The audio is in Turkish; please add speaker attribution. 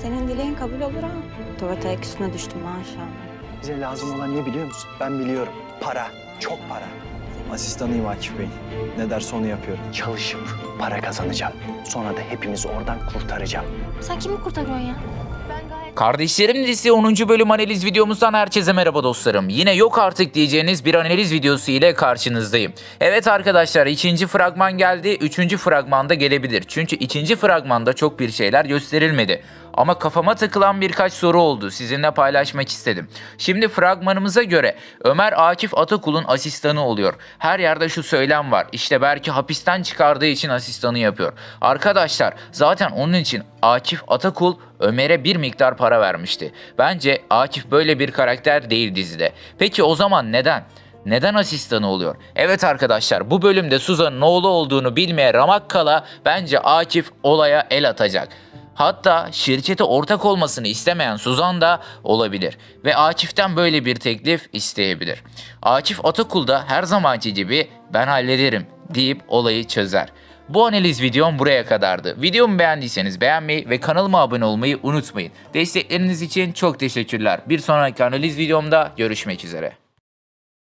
Speaker 1: senin dileğin kabul olur ha. Tuvalete ayak üstüne düştüm maşallah.
Speaker 2: Bize lazım olan ne biliyor musun? Ben biliyorum. Para. Çok para. Asistanıyım Akif Bey'in. Ne derse onu yapıyorum. Çalışıp para kazanacağım. Sonra da hepimizi oradan kurtaracağım.
Speaker 3: Sen kimi kurtarıyorsun ya?
Speaker 4: Kardeşlerim dizisi 10. bölüm analiz videomuzdan herkese merhaba dostlarım. Yine yok artık diyeceğiniz bir analiz videosu ile karşınızdayım. Evet arkadaşlar, ikinci fragman geldi. Üçüncü fragmanda gelebilir. Çünkü ikinci fragmanda çok bir şeyler gösterilmedi. Ama kafama takılan birkaç soru oldu. Sizinle paylaşmak istedim. Şimdi fragmanımıza göre Ömer Akif Atakul'un asistanı oluyor. Her yerde şu söylem var. İşte belki hapisten çıkardığı için asistanı yapıyor. Arkadaşlar zaten onun için Akif Atakul Ömer'e bir miktar para vermişti. Bence Akif böyle bir karakter değil dizide. Peki o zaman neden? Neden asistanı oluyor? Evet arkadaşlar, bu bölümde Suzan'ın oğlu olduğunu bilmeye ramak kala bence Akif olaya el atacak. Hatta şirkete ortak olmasını istemeyen Suzan da olabilir ve Akif'ten böyle bir teklif isteyebilir. Akif Atakul da her zamanki gibi ben hallederim deyip olayı çözer. Bu analiz videom buraya kadardı. Videomu beğendiyseniz beğenmeyi ve kanalıma abone olmayı unutmayın. Destekleriniz için çok teşekkürler. Bir sonraki analiz videomda görüşmek üzere.